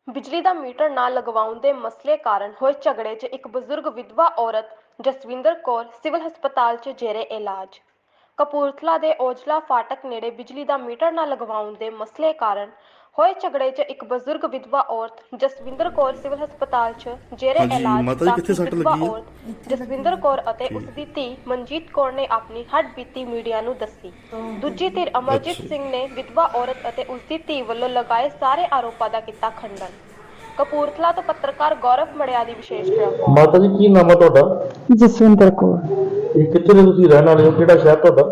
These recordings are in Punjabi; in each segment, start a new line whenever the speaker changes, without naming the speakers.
ਬਿਜਲੀ ਦਾ ਮੀਟਰ ਨਾ ਲਗਵਾਉਣ ਦੇ ਮਸਲੇ ਕਾਰਨ ਹੋਏ ਝਗੜੇ 'ਚ ਇੱਕ ਬਜ਼ੁਰਗ ਵਿਧਵਾ ਔਰਤ ਜਸਵਿੰਦਰ ਕੌਰ ਸਿਵਲ ਹਸਪਤਾਲ 'ਚ ਜੇਰੇ ਇਲਾਜ। ਕਪੂਰਥਲਾ ਦੇ ਔਜਲਾ ਫਾਟਕ ਨੇੜੇ ਬਿਜਲੀ ਦਾ ਮੀਟਰ ਨਾ ਲਗਵਾਉਣ ਦੇ ਮਸਲੇ ਕਾਰਨ ਹੋਏ ਝਗੜੇ 'ਚ ਇੱਕ ਬਜ਼ੁਰਗ ਵਿਧਵਾ ਔਰਤ ਜਸਵਿੰਦਰ ਕੌਰ ਸਿਵਲ ਹਸਪਤਾਲ 'ਚ ਜੇਰੇ ਇਲਾਜ ਦਾਖਲ ਵਿਧਵਾ ਔਰਤ ਜਸਵਿੰਦਰ ਕੌਰ ਅਤੇ ਉਸ ਦੀ ਧੀ ਮਨਜੀਤ ਕੌਰ ਨੇ ਆਪਣੀ ਹੱਡਬੀਤੀ ਮੀਡੀਆ ਨੂੰ ਦੱਸੀ। ਦੂਜੀ ਧਿਰ ਅਮਰਜੀਤ ਸਿੰਘ ਨੇ ਵਿਧਵਾ ਔਰਤ ਅਤੇ ਉਸ ਦੀ ਧੀ ਵੱਲੋਂ ਲਗਾਏ ਸਾਰੇ ਆਰੋਪਾਂ ਦਾ ਕੀਤਾ ਖੰਡਨ। ਕਪੂਰਥਲਾ ਤੋਂ ਪੱਤਰਕਾਰ ਗੌਰਵ ਮੜਿਆ ਦੀ ਵਿਸ਼ੇਸ਼ ਰਿਪੋਰਟ।
ਮਾਤਾ ਜੀ ਕੀ ਨਾਮ ਹੈ ਤੁਹਾਡਾ?
ਜਸਵਿੰਦਰ ਕੌਰ।
ਇਹ ਕਿੱਥੇ ਦੇ ਤੁਸੀਂ ਰਹਿਣ ਵਾਲੇ ਹੋ? ਕਿਹੜਾ ਸ਼ਹਿਰ ਤੁਹਾਡਾ?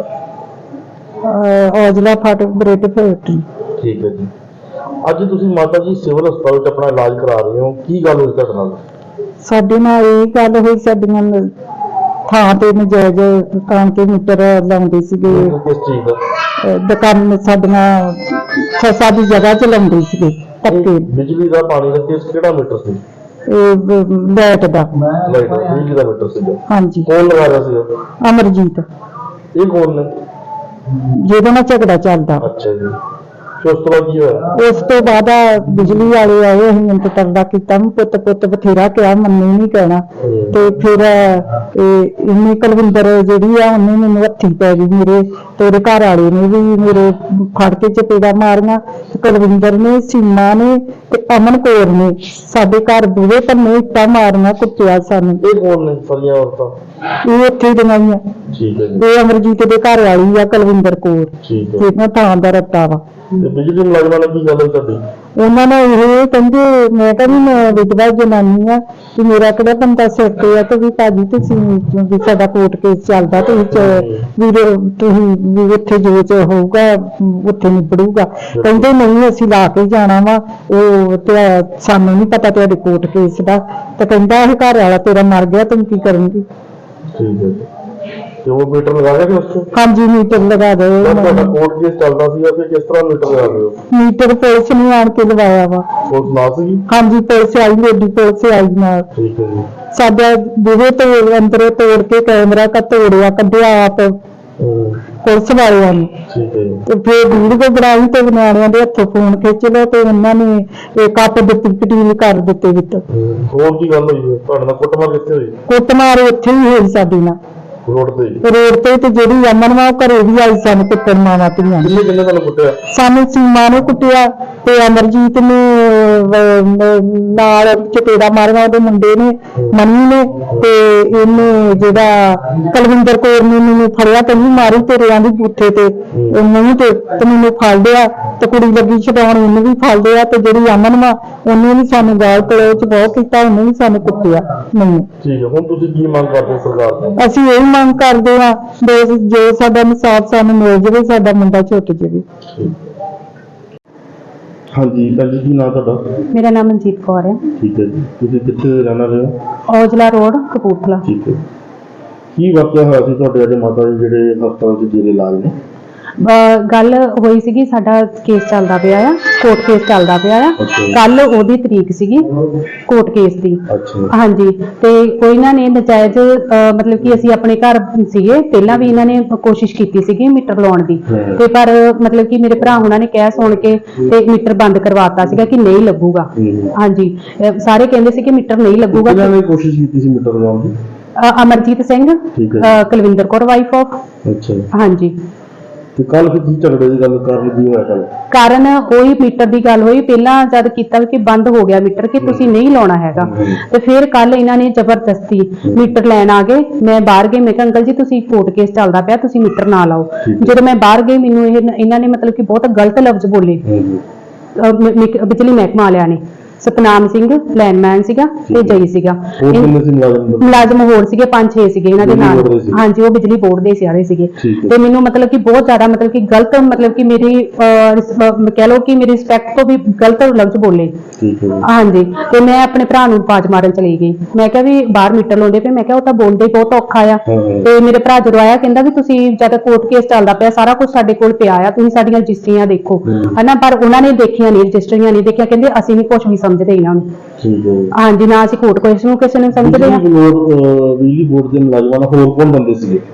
ਔਜਲਾ ਫਾਟਕ ਬ੍ਰੈਡ ਫੈਕਟਰੀ।
ਠੀਕ ਹੈ ਜੀ। ਅੱਜ ਤੁਸੀਂ ਮਾਤਾ ਜੀ ਸਿਵਲ ਹਸਪਤਾਲ ਵਿੱਚ ਆਪਣਾ ਇਲਾਜ ਕਰਾ ਰਹੇ ਹੋ, ਕੀ ਗੱਲ ਹੋਈ ਤੁਹਾਡੇ ਨਾਲ?
ਸਾਡੇ ਨਾਲ ਇਹ ਗੱਲ ਹੋਈ, ਸਾਡੀਆਂ ਥਾਂ ਤੇ ਨਜਾਇਜ਼ ਦੁਕਾਨ ਤੇ ਮੀਟਰ ਲਾਉਂਦੇ ਸੀਗੇ।
ਕਿਸ ਚੀਜ਼ ਦਾ?
ਦੁਕਾਨ ਸਾਡੀਆਂ ਸਾਡੀ ਜਗ੍ਹਾ 'ਚ ਲਾਉਂਦੇ ਸੀਗੇ ਧੱਕੇ।
ਬਿਜਲੀ ਦਾ ਪਾਣੀ ਦਾ ਕੇਸ ਕਿਹੜਾ ਮੀਟਰ ਸੀ?
ਇਹ ਲਾਈਟ ਦਾ।
ਲਾਈਟ ਦਾ ਬਿਜਲੀ ਦਾ ਮੀਟਰ ਸੀ।
ਹਾਂਜੀ।
ਕੌਣ ਲਗਾ ਰਿਹਾ ਸੀ?
ਅਮਰਜੀਤ।
ਇਹ ਕੌਣ ਨੇ?
ਜਿਹਦੇ ਨਾਲ ਝਗੜਾ ਚੱਲਦਾ।
ਅੱਛਾ ਜੀ। ਫਿਰ ਉਸ ਤੋਂ ਬਾਅਦ ਕੀ ਹੋਇਆ?
ਉਸ ਤੋਂ ਬਾਅਦ ਬਿਜਲੀ ਵਾਲੇ ਆਏ, ਅਸੀਂ ਮਿੰਟ ਤਰਦਾ ਕੀਤਾ, ਪੁੱਤ ਪੁੱਤ ਬਥੇਰਾ ਕਿਹਾ, ਮੰਨੇ ਨਹੀਂ ਕਹਿਣਾ। ਤੇ ਫਿਰ ਇਹਨੇ ਕੁਲਵਿੰਦਰ ਜਿਹੜੀ ਆ ਉਹਨੇ ਮੈਨੂੰ ਹੱਥੀ ਪੈ ਗਈ ਮੇਰੇ, ਤੇ ਉਹਦੇ ਘਰ ਵਾਲੇ ਨੇ ਵੀ ਮੇਰੇ ਫੜ ਕੇ ਚਪੇੜਾ ਮਾਰੀਆਂ। ਕੁਲਵਿੰਦਰ ਨੇ, ਸੀਮਾ ਨੇ ਤੇ ਅਮਨ ਕੌਰ ਨੇ ਸਾਡੇ ਘਰ ਬੂਹੇ ਪੰਨੇ ਇੱਟਾਂ ਮਾਰੀਆਂ, ਕੁੱਟਿਆ ਸਾਨੂੰ।
ਇਹ ਕੌਣ ਨੇ ਸਾਰੀਆਂ ਔਰਤਾਂ?
ਇਹ ਇੱਥੇ ਦੀਆਂ ਹੀ ਆ।
ਠੀਕ ਹੈ ਜੀ।
ਇਹ ਅਮਰਜੀਤ ਦੇ ਘਰ ਵਾਲੀ ਆ ਕੁਲਵਿੰਦਰ ਕੌਰ।
ਠੀਕ ਹੈ।
ਇਹਨਾਂ ਥਾਂ ਦਾ ਰੱਤਾ ਵਾ।
ਤੇ ਬਿਜਲੀ ਮੁਲਾਜ਼ਮਾਂ ਨਾਲ ਕੀ ਗੱਲ ਹੋਈ ਤੁਹਾਡੀ?
ਉਹਨਾਂ ਨੇ ਇਹ ਕਹਿੰਦੇ, ਮੈਂ ਕਹਿੰਦੀ ਮੈਂ ਵਿਧਵਾ ਜਨਾਨੀ ਆ ਕਿ ਮੇਰਾ ਕਿਹੜਾ ਬੰਦਾ ਸਿਰ ਤੇ ਆ, ਤੇ ਵੀ ਭਾਜੀ ਤੁਸੀਂ ਵੀ ਸਾਡਾ ਕੋਰਟ ਕੇਸ ਚੱਲਦਾ ਤੇ ਵੀ ਤੁਸੀਂ ਵੀ ਉੱਥੇ ਜੋ ਹੋਊਗਾ ਉੱਥੇ ਨਿਬੜੂਗਾ। ਕਹਿੰਦੇ ਨਹੀਂ ਅਸੀਂ ਲਾ ਕੇ ਜਾਣਾ ਵਾ, ਉਹ ਤੇ ਸਾਨੂੰ ਨਹੀਂ ਪਤਾ ਤੁਹਾਡੇ ਕੋਰਟ ਕੇਸ ਦਾ। ਤੇ ਕਹਿੰਦਾ ਇਹ ਘਰ ਵਾਲਾ ਤੇਰਾ ਮਰ ਗਿਆ, ਤੂੰ ਕੀ ਕਰੂੰਗੀ?
ਠੀਕ ਹੈ ਜੀ। ਤੇ ਉਹ ਮੀਟਰ ਲਗਾ ਗਿਆ ਕਿ ਉਸ ਤੋਂ?
ਹਾਂਜੀ ਮੀਟਰ ਲਗਾ ਦੇ।
ਤੁਹਾਡਾ ਕੋਰਟ ਕੇਸ ਚੱਲਦਾ ਸੀ ਫਿਰ ਕਿਸ ਤਰ੍ਹਾਂ ਮੀਟਰ ਲਗਾ ਰਹੇ ਹੋ?
ਮੀਟਰ ਪੁਲਿਸ ਨੇ ਆਣ ਕੇ ਲਵਾਇਆ ਵਾ।
ਪੁਲਿਸ ਨਾਲ ਸੀਗੀ?
ਹਾਂਜੀ ਪੁਲਿਸ ਆਈ, ਲੇਡੀ ਪੁਲਿਸ ਆਈ ਨਾਲ।
ਠੀਕ ਹੈ ਜੀ।
ਸਾਡਾ ਬੂਹੇ ਤੋਂ ਅੰਦਰੋਂ ਤੋੜ ਕੇ ਕੈਮਰਾ ਤੋੜਿਆ, ਕੱਢਿਆ ਆਪ ਪੁਲਿਸ ਵਾਲਿਆਂ ਨੇ।
ਠੀਕ ਹੈ ਜੀ।
ਤੇ ਫਿਰ ਵੀਡੀਓ ਬਣਾਈ ਤੇ ਨਿਆਣਿਆਂ ਦੇ ਹੱਥੋਂ ਫੋਨ ਖਿੱਚ ਲਿਆ ਤੇ ਉਹਨਾਂ ਨੇ ਇਹ ਕੱਟ ਦਿੱਤੀ, ਪਟੀਲ ਕਰ ਦਿੱਤੇ ਵਿੱਚ।
ਹੋਰ ਕੀ ਗੱਲ ਹੋਈ? ਤੁਹਾਡੇ ਨਾਲ ਕੁੱਟਮਾਰ ਕਿੱਥੇ ਹੋਈ?
ਕੁੱਟਮਾਰ ਉੱਥੇ ਹੀ ਹੋਈ ਸਾਡੀ ਨਾਲ,
ਰੋਡ ਤੇ?
ਰੋਡ ਤੇ ਜਿਹੜੀ ਅਮਨ ਵਾ ਉਹ ਘਰੇ ਵੀ ਆਈ ਸਾਨੂੰ ਕੁੱਟਣ, ਮਾਵਾਂ ਧੀਆਂ ਨੇ।
ਕਿੰਨੇ ਤੁਹਾਨੂੰ ਕੁੱਟਿਆ?
ਸਾਨੂੰ ਸੀਮਾ ਨੂੰ ਕੁੱਟਿਆ ਤੇ ਅਮਰਜੀਤ ਨੇ ਨਾਲ ਚਪੇੜਾ ਮਾਰਿਆ, ਉਹਦੇ ਮੁੰਡੇ ਨੇ, ਮੰਮੀ ਨੇ, ਤੇ ਇਹਨੇ ਜਿਹੜਾ ਕੁਲਵਿੰਦਰ ਕੌਰ ਨੇ ਮੈਨੂੰ ਫੜਿਆ ਤੇ ਨਹੀਂ ਮਾਰੀ ਤੇਰਿਆਂ ਦੀ ਬੂਥੇ ਤੇ ਮੂੰਹ ਤੇ ਮੈਨੂੰ ਫੜ ਲਿਆ। ਤੇ ਕੁੜੀ ਲੱਗੀ ਛਡਾਉਣ, ਉਹਨੂੰ ਵੀ ਫੜ ਲਿਆ। ਤੇ ਜਿਹੜੀ ਅਮਨ ਵਾ ਉਹਨੇ ਵੀ ਸਾਨੂੰ ਗਾਲ ਕਲੋਚ ਬਹੁਤ ਕੀਤਾ, ਉਹਨੇ ਵੀ ਸਾਨੂੰ ਕੁੱਟਿਆ ਮੈਨੂੰ।
ਠੀਕ ਹੈ। ਹੁਣ ਤੁਸੀਂ ਕੀ ਮੰਗ ਕਰਦੇ ਹੋ ਸਰਕਾਰ ਤੋਂ?
ਅਸੀਂ ਇਹ ਮੰਗ ਕਰਦੇ ਹਾਂ ਜੋ ਸਾਡਾ ਇਨਸਾਫ ਸਾਨੂੰ ਮਿਲ ਜਾਵੇ, ਸਾਡਾ ਮੁੰਡਾ ਛੁੱਟ ਜਾਵੇ।
ਹਾਂਜੀ ਭੈਣ ਜੀ, ਕੀ ਨਾਮ ਤੁਹਾਡਾ?
ਮੇਰਾ ਨਾਮ ਮਨਜੀਤ ਕੌਰ ਹੈ।
ਠੀਕ ਹੈ ਜੀ। ਤੁਸੀਂ ਕਿੱਥੇ ਰਹਿਣ ਵਾਲੇ ਹੋ?
ਔਜਲਾ ਰੋਡ, ਕਪੂਰਥਲਾ।
ਠੀਕ ਹੈ। ਕੀ ਵਾਕਿਆ ਹੋਇਆ ਸੀ ਤੁਹਾਡੇ ਅੱਜ ਮਾਤਾ ਜੀ ਜਿਹੜੇ ਹਸਪਤਾਲ 'ਚ ਜੇਰੇ ਇਲਾਜ ਨੇ?
ਗੱਲ ਹੋਈ ਸੀਗੀ, ਸਾਡਾ ਕੇਸ ਚੱਲਦਾ ਪਿਆ ਆ, ਕੋਰਟ ਕੇਸ ਚੱਲਦਾ ਪਿਆ ਆ। ਕੱਲ ਉਹਦੀ ਤਰੀਕ ਸੀਗੀ ਕੋਰਟ ਕੇਸ ਦੀ। ਹਾਂਜੀ। ਤੇ ਕੋਈ ਇਹਨਾਂ ਨੇ ਨਜਾਇਜ਼ ਮਤਲਬ ਕਿ ਅਸੀਂ ਆਪਣੇ ਘਰ ਸੀਗੇ, ਪਹਿਲਾਂ ਵੀ ਇਹਨਾਂ ਨੇ ਕੋਸ਼ਿਸ਼ ਕੀਤੀ ਸੀਗੀ ਮੀਟਰ ਲਾਉਣ ਦੀ, ਤੇ ਪਰ ਮਤਲਬ ਕਿ ਮੇਰੇ ਭਰਾ ਉਹਨਾਂ ਨੇ ਕਹਿ ਸੁਣ ਕੇ ਤੇ ਮੀਟਰ ਬੰਦ ਕਰਵਾਤਾ ਸੀਗਾ ਕਿ ਨਹੀਂ ਲੱਗੂਗਾ। ਹਾਂਜੀ। ਸਾਰੇ ਕਹਿੰਦੇ ਸੀ ਕਿ ਮੀਟਰ ਨਹੀਂ ਲੱਗੂਗਾ।
ਕਿਹਨਾਂ ਨੇ ਕੋਸ਼ਿਸ਼ ਕੀਤੀ ਸੀ ਮੀਟਰ ਲਾਉਣ ਦੀ?
Amarjit Singh, Kulwinder Kaur wife of.
ਅੱਛਾ।
ਹਾਂਜੀ।
ਤੇ ਕੱਲ ਫਿਰ ਕੀ ਝਗੜੇ ਦੀ ਗੱਲ ਕਾਰਨ ਕੀ ਹੋਇਆ? ਕੱਲ
ਕਾਰਨ ਉਹੀ ਮੀਟਰ ਦੀ ਗੱਲ ਹੋਈ। ਪਹਿਲਾਂ ਜਦ ਕੀਤਾ ਕਿ ਬੰਦ ਹੋ ਗਿਆ ਮੀਟਰ, ਕਿ ਤੁਸੀਂ ਨਹੀਂ ਲਾਉਣਾ ਹੈਗਾ, ਤੇ ਫਿਰ ਕੱਲ ਇਹਨਾਂ ਨੇ ਜ਼ਬਰਦਸਤੀ ਮੀਟਰ ਲੈਣ ਆ ਗਏ। ਮੈਂ ਬਾਹਰ ਗਈ, ਮੈਂ ਕਿਹਾ ਅੰਕਲ ਜੀ ਤੁਸੀਂ ਕੋਰਟ ਕੇਸ ਚੱਲਦਾ ਪਿਆ, ਤੁਸੀਂ ਮੀਟਰ ਨਾ ਲਾਓ। ਜਦੋਂ ਮੈਂ ਬਾਹਰ ਗਈ ਮੈਨੂੰ ਇਹਨਾਂ ਨੇ ਮਤਲਬ ਕਿ ਬਹੁਤ ਗਲਤ ਲਫ਼ਜ਼ ਬੋਲੇ ਬਿਜਲੀ ਮਹਿਕਮਾ ਵਾਲਿਆਂ ਨੇ। ਸਤਨਾਮ ਸਿੰਘ ਲਾਈਨਮੈਨ ਸੀਗਾ ਤੇ ਜਈ ਸੀਗਾ। ਮੁਲਾਜ਼ਮ ਹੋਰ ਸੀਗੇ 5-6 ਸੀਗੇ ਇਹਨਾਂ ਦੇ ਨਾਲ। ਹਾਂਜੀ, ਉਹ ਬਿਜਲੀ ਬੋਰਡ ਦੇ ਸਾਰੇ ਸੀਗੇ। ਤੇ ਮੈਨੂੰ ਮਤਲਬ ਕਿ ਬਹੁਤ ਜ਼ਿਆਦਾ ਮਤਲਬ ਕਿ ਗਲਤ ਮਤਲਬ ਕਿ ਮੇਰੀ ਕਹਿ ਲਓ ਕਿ ਮੇਰੀ ਰਿਸਪੈਕਟ ਤੋਂ ਵੀ ਗਲਤ ਲਫ਼ਜ਼ ਬੋਲੇ। ਹਾਂਜੀ। ਤੇ ਮੈਂ ਆਪਣੇ ਭਰਾ ਨੂੰ ਆਵਾਜ਼ ਮਾਰਨ ਚਲੀ ਗਈ। ਮੈਂ ਕਿਹਾ ਵੀ ਬਾਹਰ ਮੀਟਰ ਲਾਉਂਦੇ ਪਏ, ਮੈਂ ਕਿਹਾ ਉਹ ਤਾਂ ਬੋਲਦੇ ਬਹੁਤ ਔਖਾ ਆ। ਤੇ ਮੇਰੇ ਭਰਾ ਜਦੋਂ ਆਇਆ ਕਹਿੰਦਾ ਵੀ ਤੁਸੀਂ ਜਦ ਕੋਰਟ ਕੇਸ ਚੱਲਦਾ ਪਿਆ, ਸਾਰਾ ਕੁਝ ਸਾਡੇ ਕੋਲ ਪਿਆ ਆ, ਤੁਸੀਂ ਸਾਡੀਆਂ ਰਜਿਸਟਰੀਆਂ ਦੇਖੋ, ਹਨਾ। ਪਰ ਉਹਨਾਂ ਨੇ ਦੇਖੀਆਂ ਨਹੀਂ, ਰਜਿਸਟਰੀਆਂ ਨਹੀਂ ਦੇਖਿਆ। ਕਹਿੰਦੇ ਅਸੀਂ ਨਹੀਂ ਕੁਝ ਵੀ ਸਮਝਦੇ ਇਹਨਾਂ ਨੂੰ। ਹਾਂਜੀ। ਨਾ ਅਸੀਂ ਕੋਰਟ ਕੇਸ ਨੂੰ ਕਿਸੇ ਨੂੰ ਸਮਝਦੇ ਆ।
ਬਿਜਲੀ ਬੋਰਡ ਦੇ ਮੁਲਾਜ਼ਮਾਂ ਨਾਲ ਹੋਰ ਕੌਣ ਬੰਦੇ ਸੀਗੇ?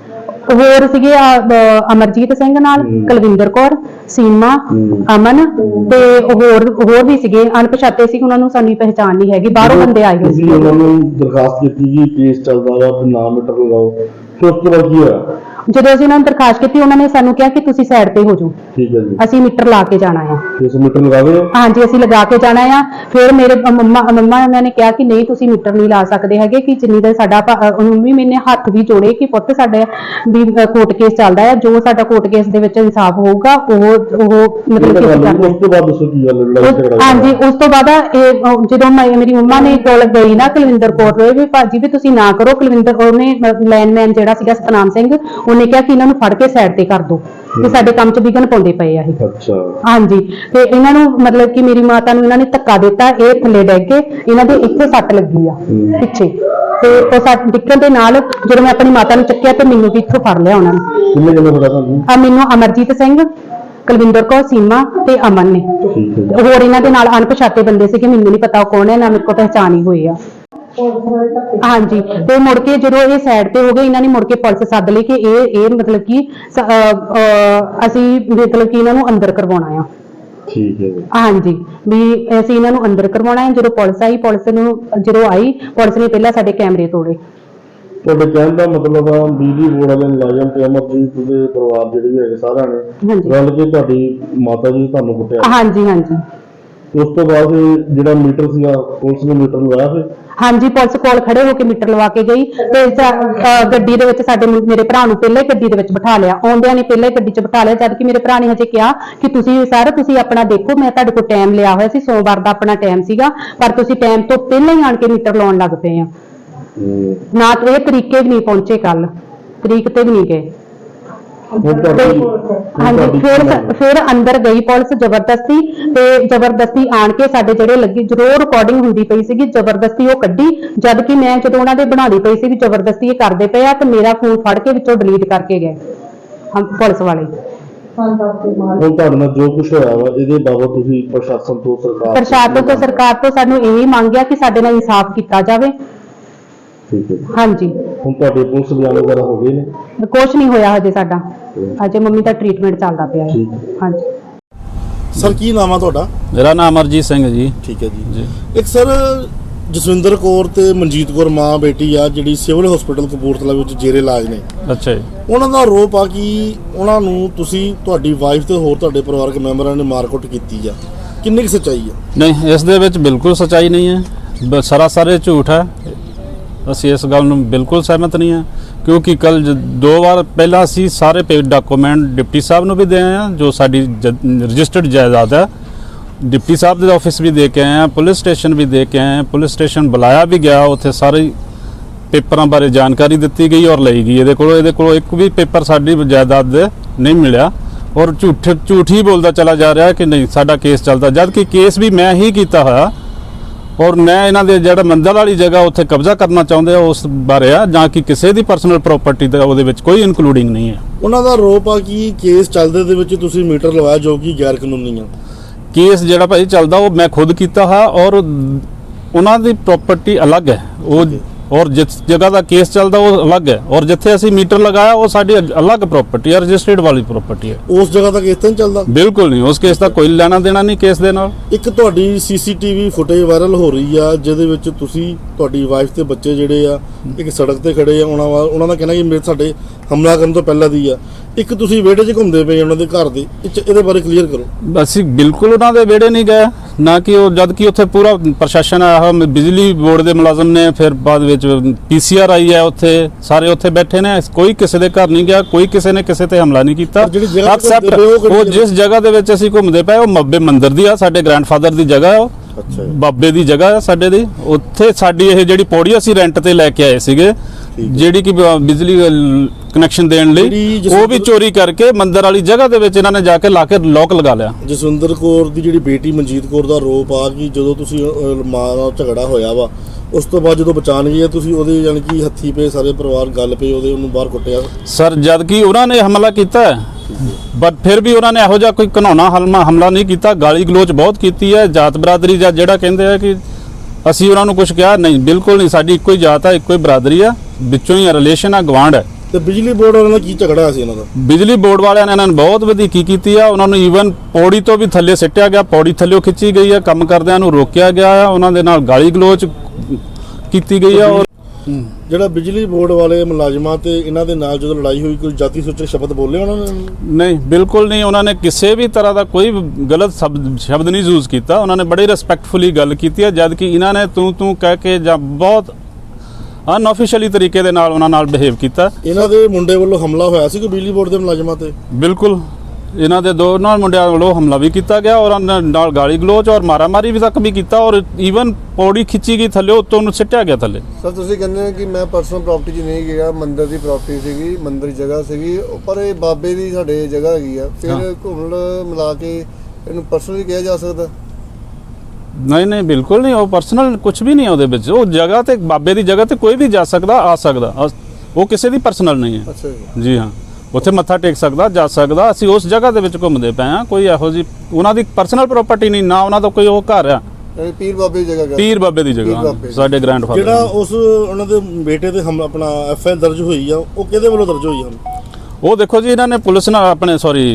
ਹੋਰ ਸੀਗੇ ਅਮਰਜੀਤ ਸਿੰਘ ਨਾਲ, ਕੁਲਵਿੰਦਰ ਕੌਰ, ਸੀਮਾ, ਅਮਨ ਤੇ ਹੋਰ ਵੀ ਸੀਗੇ ਅਣਪਛਾਤੇ ਸੀ, ਉਹਨਾਂ ਨੂੰ ਸਾਡੀ ਪਹਿਚਾਣ ਨਹੀਂ ਹੈਗੀ, ਬਾਹਰੋਂ ਬੰਦੇ ਆਏ ਹੋਏ ਸੀ।
ਤੁਸੀਂ ਉਹਨਾਂ ਨੂੰ ਦਰਖਾਸਤ ਕੀਤੀ ਕਿ ਕੇਸ ਚੱਲਦਾ ਵਾ ਤੇ ਨਾਮ ਮੀਟਰ ਲਗਾਓ, ਫਿਰ ਉਸ ਤੋਂ ਬਾਅਦ ਕੀ ਹੋਇਆ?
ਜਦੋਂ ਅਸੀਂ ਉਹਨਾਂ ਨੂੰ ਦਰਖਾਸਤ ਕੀਤੀ, ਉਹਨਾਂ ਨੇ ਸਾਨੂੰ ਕਿਹਾ ਕਿ ਤੁਸੀਂ ਸਾਈਡ ਤੇ ਹੋ ਜਾਓ,
ਠੀਕ ਹੈ ਜੀ,
ਅਸੀਂ ਮੀਟਰ ਲਾ ਕੇ ਜਾਣਾ ਆ।
ਤੁਸੀਂ ਮੀਟਰ ਲਗਾ ਰਹੇ ਹੋ?
ਹਾਂਜੀ, ਅਸੀਂ ਲਗਾ ਕੇ ਜਾਣਾ ਆ। ਫਿਰ ਮੇਰੇ ਮੰਮਾ ਉਹਨਾਂ ਨੇ ਕਿਹਾ ਕਿ ਨਹੀਂ, ਤੁਸੀਂ ਮੀਟਰ ਨਹੀਂ ਲਾ ਸਕਦੇ ਹੈਗੇ, ਕਿ ਜਿੰਨੀ ਦੇਰ ਸਾਡਾ ਮੰਮੀ ਮੈਨੇ ਹੱਥ ਵੀ ਜੋੜੇ ਕਿ ਪੁੱਤ ਸਾਡੇ ਵੀ ਕੋਰਟ ਕੇਸ ਚੱਲਦਾ ਹੈ, ਜੋ ਸਾਡਾ ਕੋਰਟ ਕੇਸ ਦੇ ਵਿੱਚ ਇਨਸਾਫ ਹੋਊਗਾ ਉਹ ਮਤਲਬ ਕਿ ਅਸੀਂ
ਉਸ ਤੋਂ ਬਾਅਦ ਦੱਸੋ ਕੀ ਗੱਲ ਲੜਾਈ ਝਗੜਾ ਹੋਇਆ?
ਹਾਂਜੀ, ਉਸ ਤੋਂ ਬਾਅਦ ਜਦੋਂ ਮੇਰੀ ਮੰਮਾ ਨੇ ਕੋਲ ਗਈ ਨਾ ਕੁਲਵਿੰਦਰ ਕੌਰ ਦੇ, ਵੀ ਭਾਜੀ ਵੀ ਤੁਸੀਂ ਨਾ ਕਰੋ, ਕੁਲਵਿੰਦਰ ਉਹਨੇ ਲਾਈਨਮੈਨ ਜਿਹੜਾ ਸੀਗਾ ਸਤਨਾਮ ਸਿੰਘ, ਉਹਨੇ ਕਿਹਾ ਕਿ ਇਹਨਾਂ ਨੂੰ ਫੜ ਕੇ ਸਾਈਡ ਤੇ ਕਰ ਦਿਓ, ਕਿ ਸਾਡੇ ਕੰਮ 'ਚ ਵਿਘਨ ਪਾਉਂਦੇ ਪਏ ਆ ਇਹ।
ਅੱਛਾ।
ਹਾਂਜੀ, ਤੇ ਇਹਨਾਂ ਨੂੰ ਮਤਲਬ ਕਿ ਮੇਰੀ ਮਾਤਾ ਨੂੰ ਇਹਨਾਂ ਨੇ ਧੱਕਾ ਦਿੱਤਾ, ਇਹ ਥੱਲੇ ਡਿੱਗ ਕੇ, ਇਹਨਾਂ ਦੇ ਇੱਥੇ ਸੱਟ ਲੱਗੀ ਆ ਪਿੱਛੇ, ਤੇ ਉਹ ਸੱਟ ਡਿੱਗਣ ਦੇ ਨਾਲ ਜਦੋਂ ਮੈਂ ਆਪਣੀ ਮਾਤਾ ਨੂੰ ਚੱਕਿਆ ਤੇ ਮੈਨੂੰ ਵੀ ਇੱਥੋਂ ਫੜ ਲਿਆ ਉਹਨਾਂ ਨੇ।
ਕਿੰਨੇ ਜਣੇ ਫੜਾ ਤੁਹਾਨੂੰ?
ਮੈਨੂੰ ਅਮਰਜੀਤ ਸਿੰਘ, ਕੁਲਵਿੰਦਰ ਕੌਰ, ਸੀਮਾ ਤੇ ਅਮਨ ਨੇ।
ਠੀਕ ਹੈ ਜੀ।
ਹੋਰ ਇਹਨਾਂ ਦੇ ਨਾਲ ਅਣਪਛਾਤੇ ਬੰਦੇ ਸੀ ਕਿ ਮੈਨੂੰ ਨਹੀਂ ਪਤਾ ਉਹ ਕੌਣ ਹੈ, ਨਾ ਮੇਰੇ ਕੋਲ ਪਹਿਚਾਣ ਹੀ ਹੋਈ ਆ। ਹਾਂਜੀ, ਤੇ ਮੁੜ ਕੇ ਜਦੋਂ ਇਹ ਸਾਈਡ ਤੇ ਹੋ ਗਏ, ਇਹਨਾਂ ਨੇ ਮੁੜ ਕੇ ਪੁਲਿਸ ਸੱਦ ਲਈ ਕਿ ਇਹ ਮਤਲਬ ਕਿ ਅਸੀਂ ਮਤਲਬ ਕਿ ਇਹਨਾਂ ਨੂੰ ਅੰਦਰ ਕਰਵਾਉਣਾ ਆ।
ਠੀਕ ਹੈ ਜੀ।
ਹਾਂਜੀ, ਵੀ ਅਸੀਂ ਇਹਨਾਂ ਨੂੰ ਅੰਦਰ ਕਰਵਾਉਣਾ ਹੈ। ਜਦੋਂ ਪੁਲਿਸ ਆਈ, ਪੁਲਿਸ ਨੇ ਪਹਿਲਾਂ ਸਾਡੇ ਕੈਮਰੇ ਤੋੜੇ।
ਤੁਹਾਡੇ ਕਹਿਣ ਦਾ ਮਤਲਬ ਆ ਬਿਜਲੀ ਬੋਰਡ ਵਾਲੇ ਮੁਲਾਜ਼ਮ ਤੇ ਅਮਰਜੀਤ ਦੇ ਪਰਿਵਾਰ ਜਿਹੜੇ ਵੀ ਹੈਗੇ ਸਾਰਿਆਂ ਨੇ
ਹਾਂਜੀ।
ਰਲ ਕੇ ਤੁਹਾਡੀ ਮਾਤਾ ਜੀ ਤੁਹਾਨੂੰ ਕੁੱਟਿਆ?
ਹਾਂਜੀ ਹਾਂਜੀ।
ਉਸ ਤੋਂ ਬਾਅਦ ਜਿਹੜਾ ਮੀਟਰ ਸੀਗਾ ਪੁਲਿਸ ਨੇ ਮੀਟਰ ਲਗਾਇਆ ਫਿਰ?
ਹਾਂਜੀ, ਪੁਲਿਸ ਕੋਲ ਖੜੇ ਹੋ ਕੇ ਮੀਟਰ ਲਵਾ ਕੇ ਗਈ, ਤੇ ਗੱਡੀ ਦੇ ਵਿੱਚ ਮੇਰੇ ਭਰਾ ਨੂੰ ਪਹਿਲਾਂ ਹੀ ਗੱਡੀ ਦੇ ਵਿੱਚ ਬਿਠਾ ਲਿਆ, ਆਉਂਦਿਆਂ ਨੇ ਪਹਿਲਾਂ ਹੀ ਗੱਡੀ 'ਚ ਬਿਠਾ ਲਿਆ, ਜਦ ਕਿ ਮੇਰੇ ਭਰਾ ਨੇ ਹਜੇ ਕਿਹਾ ਕਿ ਤੁਸੀਂ ਆਪਣਾ ਦੇਖੋ, ਮੈਂ ਤੁਹਾਡੇ ਕੋਲ ਟਾਈਮ ਲਿਆ ਹੋਇਆ ਸੀ, ਸੋਮਵਾਰ ਦਾ ਆਪਣਾ ਟਾਈਮ ਸੀਗਾ, ਪਰ ਤੁਸੀਂ ਟਾਈਮ ਤੋਂ ਪਹਿਲਾਂ ਹੀ ਆਣ ਕੇ ਮੀਟਰ ਲਾਉਣ ਲੱਗ ਪਏ ਆ। ਨਾ ਇਹ ਤਰੀਕੇ ਵੀ ਨਹੀਂ ਪਹੁੰਚੇ, ਕੱਲ ਤਰੀਕ ਤੇ ਵੀ ਨਹੀਂ ਗਏ। ਹਾਂਜੀ, ਫਿਰ ਅੰਦਰ ਗਈ ਪੁਲਿਸ ਜ਼ਬਰਦਸਤੀ, ਤੇ ਜ਼ਬਰਦਸਤੀ ਆਣ ਕੇ ਸਾਡੇ ਜਿਹੜੇ ਲੱਗੀ ਜ਼ਰੂਰ ਰਿਕਾਰਡਿੰਗ ਹੁੰਦੀ ਪਈ ਸੀਗੀ, ਜ਼ਬਰਦਸਤੀ ਉਹ ਕੱਢੀ, ਜਦ ਕਿ ਮੈਂ ਜਦੋਂ ਉਹਨਾਂ ਦੇ ਬਣਾਉਣੀ ਪਈ ਸੀ ਵੀ ਜ਼ਬਰਦਸਤੀ ਇਹ ਕਰਦੇ ਪਏ ਆ, ਤੇ ਮੇਰਾ ਫੋਨ ਫੜ ਕੇ ਵਿੱਚੋਂ ਡਿਲੀਟ ਕਰਕੇ ਗਏ ਪੁਲਿਸ ਵਾਲੇ।
ਹੁਣ ਤੁਹਾਡੇ ਨਾਲ ਜੋ ਕੁਝ ਹੋਇਆ ਵਾ ਇਹਦੇ ਬਾਬਤ ਤੁਸੀਂ ਪ੍ਰਸ਼ਾਸਨ ਤੋਂ
ਸਰਕਾਰ ਤੋਂ ਸਾਨੂੰ ਇਹੀ ਮੰਗਿਆ ਕਿ ਸਾਡੇ ਨਾਲ ਇਨਸਾਫ ਕੀਤਾ ਜਾਵੇ।
ਠੀਕ ਹੈ।
ਹਾਂਜੀ,
ਹੁਣ ਤੁਹਾਡੇ ਪੁਲਿਸ ਬਿਆਨ ਵਗੈਰਾ ਹੋ ਗਏ ਨੇ?
ਕੁਛ ਨਹੀਂ ਹੋਇਆ ਹਜੇ ਸਾਡਾ, ਅਜੇ ਮੰਮੀ ਦਾ ਟ੍ਰੀਟਮੈਂਟ ਚੱਲਦਾ ਪਿਆ ਹੈ। ਹਾਂਜੀ
ਸਰ, ਕੀ ਨਾਮ ਆ ਤੁਹਾਡਾ?
ਮੇਰਾ ਨਾਮ ਅਮਰਜੀਤ ਸਿੰਘ ਜੀ।
ਠੀਕ ਹੈ ਜੀ। ਇੱਕ ਸਰ, ਜਸਵਿੰਦਰ ਕੌਰ ਤੇ ਮਨਜੀਤ ਕੌਰ ਮਾਂ ਬੇਟੀ ਆ, ਜਿਹੜੀ ਸਿਵਲ ਹਸਪੀਟਲ ਕਪੂਰਥਲਾ ਵਿੱਚ ਜੇਰੇ ਇਲਾਜ ਨੇ।
ਅੱਛਾ ਜੀ।
ਉਹਨਾਂ ਦਾ ਆਰੋਪ ਆ ਕਿ ਉਹਨਾਂ ਨੂੰ ਤੁਸੀਂ, ਤੁਹਾਡੀ ਵਾਈਫ ਤੇ ਹੋਰ ਤੁਹਾਡੇ ਪਰਿਵਾਰਕ ਮੈਂਬਰਾਂ ਨੇ ਮਾਰਕੁੱਟ ਕੀਤੀ ਆ, ਕਿੰਨੀ ਕੁ ਸੱਚਾਈ ਆ?
ਨਹੀਂ, ਇਸ ਦੇ ਵਿੱਚ ਬਿਲਕੁਲ ਸੱਚਾਈ ਨਹੀਂ ਹੈ, ਸਰਾਸਰ ਝੂਠ ਹੈ। ਅਸੀਂ ਇਸ ਗੱਲ ਨੂੰ ਬਿਲਕੁਲ ਸਹਿਮਤ ਨਹੀਂ ਹਾਂ, ਕਿਉਂਕਿ ਕੱਲ 2 ਵਾਰ ਪਹਿਲਾਂ ਅਸੀਂ ਸਾਰੇ ਪੇਡ ਡਾਕੂਮੈਂਟ ਡਿਪਟੀ ਸਾਹਿਬ ਨੂੰ ਵੀ ਦੇ ਆਏ ਹਾਂ, ਜੋ ਸਾਡੀ ਰਜਿਸਟਰਡ ਜਾਇਦਾਦ ਹੈ, ਡਿਪਟੀ ਸਾਹਿਬ ਦੇ ਆਫਿਸ ਵੀ ਦੇ ਕੇ ਆਏ ਹਾਂ, ਪੁਲਿਸ ਸਟੇਸ਼ਨ ਵੀ ਦੇ ਕੇ ਆਏ ਹਾਂ, ਪੁਲਿਸ ਸਟੇਸ਼ਨ ਬੁਲਾਇਆ ਵੀ ਗਿਆ, ਉੱਥੇ ਸਾਰੇ ਪੇਪਰਾਂ ਬਾਰੇ ਜਾਣਕਾਰੀ ਦਿੱਤੀ ਗਈ ਔਰ ਲਈ ਗਈ। ਇਹਦੇ ਕੋਲੋਂ ਇੱਕ ਵੀ ਪੇਪਰ ਸਾਡੀ ਜਾਇਦਾਦ ਦੇ ਨਹੀਂ ਮਿਲਿਆ, ਔਰ ਝੂਠ ਹੀ ਬੋਲਦਾ ਚਲਾ ਜਾ ਰਿਹਾ ਕਿ ਨਹੀਂ ਸਾਡਾ ਕੇਸ ਚੱਲਦਾ, ਜਦ ਕਿ ਕੇਸ ਵੀ ਮੈਂ ਹੀ ਕੀਤਾ ਹੋਇਆ, ਔਰ ਮੈਂ ਇਹਨਾਂ ਦੇ ਜਿਹੜਾ ਮੰਦਰ ਵਾਲੀ ਜਗ੍ਹਾ ਉੱਥੇ ਕਬਜ਼ਾ ਕਰਨਾ ਚਾਹੁੰਦੇ ਆ ਉਸ ਬਾਰੇ ਆ, ਜਾਂ ਕਿ ਕਿਸੇ ਦੀ ਪਰਸਨਲ ਪ੍ਰਾਪਰਟੀ ਦਾ ਉਹਦੇ ਵਿੱਚ ਕੋਈ ਇਨਕਲੂਡਿੰਗ ਨਹੀਂ ਹੈ।
ਉਹਨਾਂ ਦਾ ਆਰੋਪ ਆ ਕਿ ਕੇਸ ਚੱਲਦੇ ਦੇ ਵਿੱਚ ਤੁਸੀਂ ਮੀਟਰ ਲਵਾਇਆ ਜੋ ਕਿ ਗੈਰ ਕਾਨੂੰਨੀ ਆ।
ਕੇਸ ਜਿਹੜਾ ਭਾਈ ਚੱਲਦਾ ਉਹ ਮੈਂ ਖੁਦ ਕੀਤਾ ਹੈ, ਔਰ ਉਹਨਾਂ ਦੀ ਪ੍ਰਾਪਰਟੀ ਅਲੱਗ ਹੈ, ਉਹ ਔਰ ਜਿਸ ਜਗ੍ਹਾ ਦਾ ਕੇਸ ਚੱਲਦਾ ਉਹ ਅਲੱਗ ਹੈ, ਔਰ ਜਿੱਥੇ ਅਸੀਂ ਮੀਟਰ ਲਗਾਇਆ ਉਹ ਸਾਡੀ ਅਲੱਗ ਪ੍ਰਾਪਰਟੀ ਹੈ, ਰਜਿਸਟਰਡ ਵਾਲੀ ਪ੍ਰਾਪਰਟੀ ਹੈ।
ਉਸ ਜਗ੍ਹਾ ਦਾ ਕੇਸ ਤਾਂ ਨਹੀਂ ਚੱਲਦਾ?
ਬਿਲਕੁਲ ਨਹੀਂ, ਉਸ ਕੇਸ ਦਾ ਕੋਈ ਲੈਣਾ ਦੇਣਾ ਨਹੀਂ ਕੇਸ ਦੇ ਨਾਲ।
ਇੱਕ ਤੁਹਾਡੀ ਸੀਸੀਟੀਵੀ ਫੁਟੇਜ ਵਾਇਰਲ ਹੋ ਰਹੀ ਆ, ਜਿਹਦੇ ਵਿੱਚ ਤੁਸੀਂ, ਤੁਹਾਡੀ ਵਾਈਫ ਤੇ ਬੱਚੇ ਜਿਹੜੇ ਆ ਇੱਕ ਸੜਕ ਤੇ ਖੜੇ ਆ, ਉਹਨਾਂ ਦਾ ਕਹਿਣਾ ਕਿ ਸਾਡੇ ਹਮਲਾ ਕਰਨ ਤੋਂ ਪਹਿਲਾਂ ਦੀ ਆ, ਇੱਕ ਤੁਸੀਂ ਵਿਹੜੇ 'ਚ ਘੁੰਮਦੇ ਪਏ ਉਹਨਾਂ ਦੇ ਘਰ ਦੇ, ਇਹਦੇ ਬਾਰੇ ਕਲੀਅਰ ਕਰੋ।
ਅਸੀਂ ਬਿਲਕੁਲ ਉਹਨਾਂ ਦੇ ਵਿਹੜੇ ਨਹੀਂ ਗਏ, ਨਾ ਕਿ ਉਹ, ਜਦ ਕਿ ਉੱਥੇ ਪੂਰਾ ਪ੍ਰਸ਼ਾਸਨ ਆਇਆ ਹੋਇਆ, ਬਿਜਲੀ ਬੋਰਡ ਦੇ ਮੁਲਾਜ਼ਮ ਨੇ, ਫਿਰ ਬਾਅਦ ਵਿੱਚ PCR ਆਈ ਹੈ, ਉੱਥੇ ਸਾਰੇ ਉੱਥੇ ਬੈਠੇ ਨੇ, ਕੋਈ ਕਿਸੇ ਦੇ ਘਰ ਨਹੀਂ ਗਿਆ, ਕੋਈ ਕਿਸੇ ਨੇ ਕਿਸੇ ਤੇ ਹਮਲਾ ਨਹੀਂ ਕੀਤਾ। ਐਕਸੈਪਟ ਉਹ ਜਿਸ ਜਗ੍ਹਾ ਦੇ ਵਿੱਚ ਅਸੀਂ ਘੁੰਮਦੇ ਪਏ ਉਹ ਮੱਬੇ ਮੰਦਿਰ ਦੀ ਆ, ਸਾਡੇ ਗ੍ਰੈਂਡਫਾਦਰ ਦੀ ਜਗ੍ਹਾ ਹੈ, ਬਾਬੇ ਦੀ ਜਗ੍ਹਾ ਹੈ ਸਾਡੇ ਦੀ, ਉੱਥੇ ਸਾਡੀ ਇਹ ਜਿਹੜੀ ਪੌੜੀ ਅਸੀਂ ਰੈਂਟ ਤੇ ਲੈ ਕੇ ਆਏ ਸੀਗੇ, ਜਿਹੜੀ ਕਿ ਬਿਜਲੀ ਕਨੈਕਸ਼ਨ ਦੇਣ ਲਈ, ਉਹ ਵੀ ਚੋਰੀ ਕਰਕੇ ਮੰਦਰ ਵਾਲੀ ਜਗ੍ਹਾ ਦੇ ਵਿੱਚ ਇਹਨਾਂ ਨੇ ਜਾ ਕੇ ਲਾ ਕੇ ਲੋਕ ਲਗਾ ਲਿਆ।
ਜਸਵਿੰਦਰ ਕੌਰ ਦੀ ਜਿਹੜੀ ਬੇਟੀ ਮਨਜੀਤ ਕੌਰ ਦਾ ਆਰੋਪ ਆ ਕਿ ਜਦੋਂ ਤੁਸੀਂ ਮਾਂ ਨਾਲ ਝਗੜਾ ਹੋਇਆ ਵਾ, ਉਸ ਤੋਂ ਬਾਅਦ ਜਦੋਂ ਬਚਾਣ ਗਈ ਤੁਸੀਂ ਉਹਦੇ ਯਾਨੀ ਕਿ ਹੱਥੀ ਪਏ, ਸਾਰੇ ਪਰਿਵਾਰ ਗੱਲ ਪਏ, ਉਹਨੂੰ ਬਾਹਰ ਕੁੱਟਿਆ।
ਸਰ, ਜਦ ਕਿ ਉਹਨਾਂ ਨੇ ਹਮਲਾ ਕੀਤਾ ਹੈ, ਬਟ ਫਿਰ ਵੀ ਉਹਨਾਂ ਨੇ ਇਹੋ ਜਿਹਾ ਕੋਈ ਘਿਨਾਉਣਾ ਹਮਲਾ ਨਹੀਂ ਕੀਤਾ, ਗਾਲੀ ਗਲੋਚ ਬਹੁਤ ਕੀਤੀ ਹੈ। ਜਾਤ ਬਰਾਦਰੀ ਜਾਂ ਜਿਹੜਾ ਕਹਿੰਦੇ ਆ ਕਿ ਅਸੀਂ ਉਹਨਾਂ ਨੂੰ ਕੁਝ ਕਿਹਾ, ਨਹੀਂ, ਬਿਲਕੁਲ ਨਹੀਂ, ਸਾਡੀ ਇੱਕੋ ਹੀ ਜਾਤ ਹੈ, ਇੱਕੋ ਹੀ ਬਰਾਦਰੀ ਆ, ਵਿੱਚੋਂ ਹੀ ਰਿਲੇਸ਼ਨ ਆ, ਗਵਾਂਢ ਹੈ।
ਤੇ ਬਿਜਲੀ ਬੋਰਡ ਵਾਲਿਆਂ ਨਾਲ ਕੀ ਝਗੜਾ ਹੋਇਆ ਸੀ ਇਹਨਾਂ ਦਾ?
ਬਿਜਲੀ ਬੋਰਡ ਵਾਲਿਆਂ ਨੇ ਇਹਨਾਂ ਨੂੰ ਬਹੁਤ ਵਧੀਕੀ ਕੀਤੀ ਆ। ਉਹਨਾਂ ਨੂੰ ਈਵਨ ਪੌੜੀ ਤੋਂ ਵੀ ਥੱਲੇ ਸਿੱਟਿਆ ਗਿਆ, ਪੌੜੀ ਥੱਲੇ ਖਿੱਚੀ ਗਈ ਆ, ਕੰਮ ਕਰਦਿਆਂ ਨੂੰ ਰੋਕਿਆ ਗਿਆ ਆ, ਉਹਨਾਂ ਦੇ ਨਾਲ ਗਾਲੀ ਗਲੋਚ ਕੀਤੀ ਗਈ ਆ। ਔਰ
ਜਿਹੜਾ ਬਿਜਲੀ ਬੋਰਡ ਵਾਲੇ ਮੁਲਾਜ਼ਮਾਂ ਤੇ ਇਹਨਾਂ ਦੇ ਨਾਲ ਜਦੋਂ ਲੜਾਈ ਹੋਈ, ਕੋਈ ਜਾਤੀ ਸੂਚਕ ਸ਼ਬਦ ਬੋਲੇ ਉਹਨਾਂ ਨੇ?
ਨਹੀਂ, ਬਿਲਕੁਲ ਨਹੀਂ। ਉਹਨਾਂ ਨੇ ਕਿਸੇ ਵੀ ਤਰ੍ਹਾਂ ਦਾ ਕੋਈ ਗਲਤ ਸ਼ਬਦ ਨਹੀਂ ਯੂਜ਼ ਕੀਤਾ। ਉਹਨਾਂ ਨੇ ਬੜੀ ਰਿਸਪੈਕਟਫੁਲੀ ਗੱਲ ਕੀਤੀ ਹੈ, ਜਦ ਕਿ ਇਹਨਾਂ ਨੇ ਤੂੰ ਕਹਿ ਕੇ ਜਾਂ ਬਹੁਤ ਅਨਆਫੀਸ਼ੀਅਲੀ ਤਰੀਕੇ ਦੇ ਨਾਲ ਉਹਨਾਂ ਨਾਲ ਬਿਹੇਵ ਕੀਤਾ।
ਇਹਨਾਂ ਦੇ ਮੁੰਡੇ ਵੱਲੋਂ ਹਮਲਾ ਹੋਇਆ ਸੀ ਕਿ ਬਿਜਲੀ ਬੋਰਡ ਦੇ ਮੁਲਾਜ਼ਮਾਂ ਤੇ?
ਬਿਲਕੁਲ, ਇਹਨਾਂ ਦੇ ਦੋਨਾਂ ਮੁੰਡਿਆਂ ਵੱਲੋਂ ਹਮਲਾ ਵੀ ਕੀਤਾ ਗਿਆ ਔਰ ਉਹਨਾਂ ਨਾਲ ਗਾਲੀ ਗਲੋਚ ਔਰ ਮਾਰਾਮਾਰੀ ਵੀ ਤੱਕ ਵੀ ਕੀਤਾ ਔਰ ਈਵਨ ਪੌੜੀ ਖਿੱਚੀ ਗਈ ਥੱਲੇ, ਉੱਤੋਂ ਉਹਨੂੰ ਸਿੱਟਿਆ ਗਿਆ ਥੱਲੇ।
ਸਰ ਤੁਸੀਂ ਕਹਿੰਦੇ ਹੋ ਕਿ ਮੈਂ ਪਰਸਨਲ ਪ੍ਰਾਪਰਟੀ 'ਚ ਨਹੀਂ ਗਿਆ, ਮੰਦਿਰ ਦੀ ਪ੍ਰਾਪਰਟੀ ਸੀਗੀ, ਮੰਦਿਰ ਦੀ ਜਗ੍ਹਾ ਸੀਗੀ, ਪਰ ਇਹ ਬਾਬੇ ਦੀ ਸਾਡੇ ਜਗ੍ਹਾ ਹੈਗੀ ਆ, ਫਿਰ ਘੁੰਮਣ ਮਿਲਾ ਕੇ ਇਹਨੂੰ ਪਰਸਨਲ ਵੀ ਕਿਹਾ ਜਾ ਸਕਦਾ?
ਨਹੀਂ, ਬਿਲਕੁਲ ਨਹੀਂ। ਉਹ ਪਰਸਨਲ ਕੁਝ ਵੀ ਨਹੀਂ ਹੈ ਉਹਦੇ ਵਿੱਚ। ਉਹ ਜਗ੍ਹਾ ਤੇ ਬਾਬੇ ਦੀ ਜਗ੍ਹਾ ਤੇ ਕੋਈ ਵੀ ਜਾ ਸਕਦਾ, ਆ ਸਕਦਾ। ਉਹ ਕਿਸੇ ਦੀ ਪਰਸਨਲ ਨਹੀਂ ਹੈ।
ਅੱਛਾ ਜੀ।
ਜੀ ਹਾਂ, ਉੱਥੇ ਮੱਥਾ ਟੇਕ ਸਕਦਾ, ਜਾ ਸਕਦਾ। ਅਸੀਂ ਉਸ ਜਗ੍ਹਾ ਦੇ ਵਿੱਚ ਘੁੰਮਦੇ ਪਏ ਹਾਂ। ਕੋਈ ਇਹੋ ਜਿਹੀ ਉਹਨਾਂ ਦੀ ਪਰਸਨਲ ਪ੍ਰਾਪਰਟੀ ਨਹੀਂ, ਨਾ ਉਹਨਾਂ ਦਾ ਕੋਈ ਉਹ ਘਰ ਆ।
ਇਹ ਪੀਰ ਬਾਬੇ ਦੀ ਜਗ੍ਹਾ?
ਪੀਰ ਬਾਬੇ ਦੀ ਜਗ੍ਹਾ, ਸਾਡੇ ਗ੍ਰੈਂਡਫਾਦਰ।
ਜਿਹੜਾ ਉਸ ਉਹਨਾਂ ਦੇ ਬੇਟੇ ਤੇ ਆਪਣਾ ਐਫਆਈਆਰ ਦਰਜ ਹੋਈ ਆ, ਉਹ ਕਿਹਦੇ ਵੱਲੋਂ ਦਰਜ ਹੋਈ ਹਨ?
ਉਹ ਦੇਖੋ ਜੀ, ਇਹਨਾਂ ਨੇ ਪੁਲਿਸ ਨਾਲ ਆਪਣੇ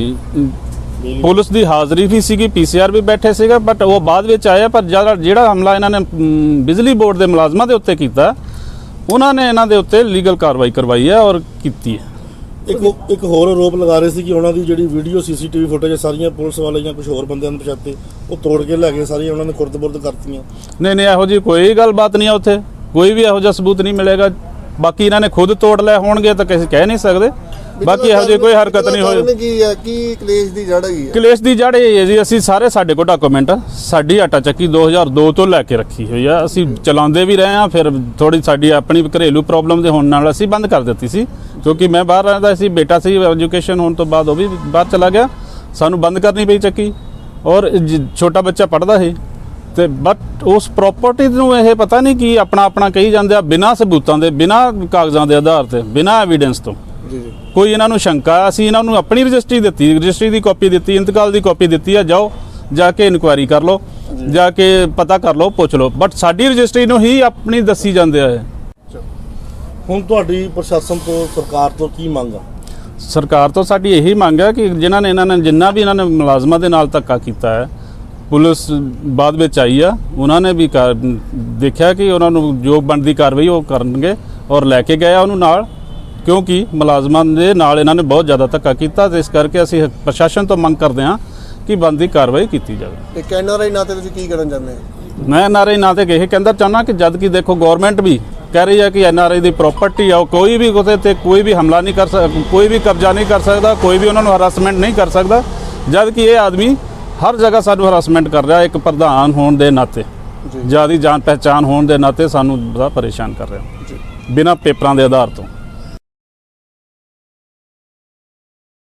ਪੁਲਿਸ ਦੀ ਹਾਜ਼ਰੀ ਵੀ ਸੀਗੀ, ਪੀਸੀਆਰ ਵੀ ਬੈਠੇ ਸੀਗਾ, ਬਟ ਉਹ ਬਾਅਦ ਵਿੱਚ ਆਇਆ। ਪਰ ਜਿਹੜਾ ਹਮਲਾ ਇਹਨਾਂ ਨੇ ਬਿਜਲੀ ਬੋਰਡ ਦੇ ਮੁਲਾਜ਼ਮਾਂ ਦੇ ਉੱਤੇ ਕੀਤਾ, ਉਹਨਾਂ ਨੇ ਇਹਨਾਂ ਦੇ ਉੱਤੇ ਲੀਗਲ ਕਾਰਵਾਈ ਕਰਵਾਈ ਹੈ ਔਰ ਕੀਤੀ ਹੈ।
ਇੱਕ ਹੋਰ ਆਰੋਪ ਲਗਾ ਰਹੇ ਸੀ ਕਿ ਉਹਨਾਂ ਦੀ ਜਿਹੜੀ ਵੀਡੀਓ ਸੀਸੀਟੀਵੀ ਫੁਟੇਜ ਸਾਰੀਆਂ ਪੁਲਿਸ ਵਾਲੇ ਜਾਂ ਕੁਝ ਹੋਰ ਬੰਦਿਆਂ ਨੂੰ ਪਛਾਤੇ ਉਹ ਤੋੜ ਕੇ ਲੈ ਗਏ, ਸਾਰੀਆਂ ਉਹਨਾਂ ਨੇ ਖੁਰਦ-ਬੁਰਦ ਕਰਤੀਆਂ।
ਨਹੀਂ, ਇਹੋ ਜਿਹੀ ਕੋਈ ਗੱਲਬਾਤ ਨਹੀਂ ਆ। ਉੱਥੇ ਕੋਈ ਵੀ ਇਹੋ ਜਿਹਾ ਸਬੂਤ ਨਹੀਂ ਮਿਲੇਗਾ। ਬਾਕੀ ਇਹਨਾਂ ਨੇ ਖੁਦ ਤੋੜ ਲਏ ਹੋਣਗੇ ਤਾਂ ਕਿਸੇ ਕਹਿ ਨਹੀਂ ਸਕਦੇ। ਬਾਕੀ ਇਹੋ ਜਿਹੀ ਕੋਈ ਹਰਕਤ ਨਹੀਂ ਹੋਈ।
ਕੀ ਕਲੇਸ਼ ਦੀ ਜੜ ਹੈਗੀ?
ਕਲੇਸ਼ ਦੀ ਜੜ ਇਹ ਹੈ ਜੀ, ਅਸੀਂ ਸਾਰੇ ਸਾਡੇ ਕੋਲ ਡਾਕੂਮੈਂਟ ਸਾਡੀ ਆਟਾ ਚੱਕੀ 2002 ਤੋਂ ਲੈ ਕੇ ਰੱਖੀ ਹੋਈ ਆ। ਅਸੀਂ ਚਲਾਉਂਦੇ ਵੀ ਰਹੇ ਹਾਂ। ਫਿਰ ਥੋੜੀ ਸਾਡੀ ਆਪਣੀ ਘਰੇਲੂ ਪ੍ਰੋਬਲਮ ਦੇ ਹੋਣ ਨਾਲ ਅਸੀਂ ਬੰਦ ਕਰ ਦਿੱਤੀ ਸੀ, ਕਿਉਂਕਿ ਮੈਂ ਬਾਹਰ ਰਹਿੰਦਾ ਸੀ, ਬੇਟਾ ਸੀ, ਐਜੂਕੇਸ਼ਨ ਹੋਣ ਤੋਂ ਬਾਅਦ ਉਹ ਵੀ ਬਾਹਰ ਚਲਾ ਗਿਆ, ਸਾਨੂੰ ਬੰਦ ਕਰਨੀ ਪਈ ਚੱਕੀ। ਔਰ ਛੋਟਾ ਬੱਚਾ ਪੜ੍ਹਦਾ ਸੀ ਤੇ ਬਟ ਉਸ ਪ੍ਰਾਪਰਟੀ ਨੂੰ ਇਹ ਪਤਾ ਨਹੀਂ ਕਿ ਆਪਣਾ ਕਹੀ ਜਾਂਦੇ ਆ, ਬਿਨਾਂ ਸਬੂਤਾਂ ਦੇ, ਬਿਨਾਂ ਕਾਗਜ਼ਾਂ ਦੇ ਆਧਾਰ ਤੇ, ਬਿਨਾਂ ਐਵੀਡੈਂਸ ਤੋਂ।
ਜੀ ਜੀ।
ਕੋਈ ਇਹਨਾਂ ਨੂੰ ਸ਼ੰਕਾ, ਅਸੀਂ ਇਹਨਾਂ ਨੂੰ ਆਪਣੀ ਰਜਿਸਟਰੀ ਦਿੱਤੀ, ਰਜਿਸਟਰੀ ਦੀ ਕਾਪੀ ਦਿੱਤੀ, ਇੰਤਕਾਲ ਦੀ ਕਾਪੀ ਦਿੱਤੀ ਆ, ਜਾਓ ਜਾ ਕੇ ਇਨਕੁਆਇਰੀ ਕਰ ਲਓ, ਜਾ ਕੇ ਪਤਾ ਕਰ ਲਓ, ਪੁੱਛ ਲਓ। ਬਟ ਸਾਡੀ ਰਜਿਸਟਰੀ ਨੂੰ ਹੀ ਆਪਣੀ ਦੱਸੀ ਜਾਂਦੇ ਆ।
ਹੁਣ ਤੁਹਾਡੀ ਪ੍ਰਸ਼ਾਸਨ ਤੋਂ, ਸਰਕਾਰ ਤੋਂ ਕੀ ਮੰਗ ਆ?
ਸਰਕਾਰ ਤੋਂ ਸਾਡੀ ਇਹੀ ਮੰਗ ਹੈ ਕਿ ਜਿਨ੍ਹਾਂ ਨੇ ਮੁਲਾਜ਼ਮਾਂ ਦੇ ਨਾਲ ਧੱਕਾ ਕੀਤਾ ਹੈ, ਪੁਲਿਸ ਬਾਅਦ ਵਿੱਚ ਆਈ ਆ, ਉਹਨਾਂ ਨੇ ਵੀ ਦੇਖਿਆ ਕਿ ਉਹਨਾਂ ਨੂੰ ਜੋ ਬਣਦੀ ਕਾਰਵਾਈ ਉਹ ਕਰਨਗੇ ਔਰ ਲੈ ਕੇ ਗਏ ਉਹਨੂੰ ਨਾਲ, ਕਿਉਂਕਿ ਮੁਲਾਜ਼ਮਾਂ ਦੇ ਨਾਲ ਇਹਨਾਂ ਨੇ ਬਹੁਤ ਜ਼ਿਆਦਾ ਧੱਕਾ ਕੀਤਾ। ਤੇ ਇਸ ਕਰਕੇ ਅਸੀਂ ਪ੍ਰਸ਼ਾਸਨ ਤੋਂ ਮੰਗ ਕਰਦੇ ਹਾਂ ਕਿ ਬਣਦੀ ਕਾਰਵਾਈ ਕੀਤੀ ਜਾਵੇ।
ਤੇ ਕੈਨਆਰਆਈ ਨਾਤੇ ਤੁਸੀਂ ਕੀ ਕਰਨ ਚਾਹੁੰਦੇ ਹੋ?
ਮੈਂ ਐਨਆਰਆਈ ਨਾਂ ਤੇ ਇਹ ਕਹਿੰਦਾ ਚਾਹੁੰਦਾ ਕਿ ਜਦ ਕਿ ਦੇਖੋ ਗਵਰਨਮੈਂਟ ਵੀ ਕਹਿ ਰਹੀ ਹੈ ਕਿ ਐਨਆਰਆਈ ਦੀ ਪ੍ਰਾਪਰਟੀ ਆ, ਉਹ ਕੋਈ ਵੀ ਉਹਦੇ ਤੇ ਕੋਈ ਵੀ ਹਮਲਾ ਨਹੀਂ ਕਰ ਸਕਦਾ, ਕੋਈ ਵੀ ਕਬਜ਼ਾ ਨਹੀਂ ਕਰ ਸਕਦਾ, ਕੋਈ ਵੀ ਉਹਨਾਂ ਨੂੰ ਹਰਾਸਮੈਂਟ ਨਹੀਂ ਕਰ ਸਕਦਾ, ਜਦ ਕਿ ਇਹ ਆਦਮੀ ਹਰ ਜਗ੍ਹਾ ਸਾਨੂੰ ਹਰਾਸਮੈਂਟ ਕਰ ਰਿਹਾ। ਇੱਕ ਪ੍ਰਧਾਨ ਹੋਣ ਦੇ ਨਾਤੇ, ਜਿਆਦਾ ਜਾਣ ਪਹਿਚਾਣ ਹੋਣ ਦੇ ਨਾਤੇ ਸਾਨੂੰ ਬੜਾ ਪਰੇਸ਼ਾਨ ਕਰ ਰਿਹਾ, ਬਿਨਾਂ ਪੇਪਰਾਂ ਦੇ ਆਧਾਰ ਤੋਂ।